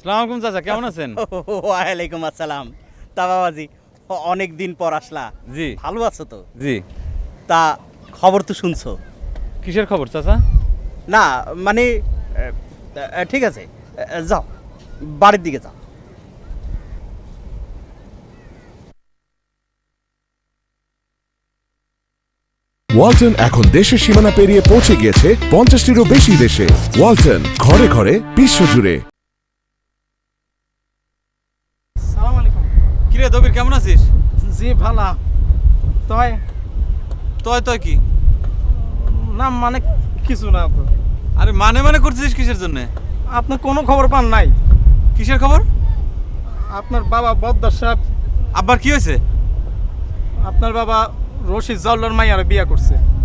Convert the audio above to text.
সালাম আলাইকুম চাচা, কেমন আছেন? ওয়ালাইকুম আসসালাম। তা বাবাজি, অনেক দিন পর আসলা। জি ভালো আছো তো? জি। তা খবর তো শুনছো? কিসের খবর চাচা? না মানে ঠিক আছে, যাও বাড়ির দিকে যাও। ওয়ালটন এখন দেশের সীমানা পেরিয়ে পৌঁছে গিয়েছে 50টিরও বেশি দেশে। ওয়ালটন, ঘরে ঘরে বিশ্বজুড়ে। সালাম আলাইকুম। কিরে দবির, কেমন আছিস? জি ভালো। তয় তয় তয় কি? না মানে কিছু না তো। আরে মানে মানে করছিস কিসের জন্য? আপনার কোনো খবর পান নাই? কিসের খবর? আপনার বাবা বদ্দার সাহেব, আব্বার কি হয়েছে? আপনার বাবা রশিদ জাউলার মাইয়ারে বিয়া করছে।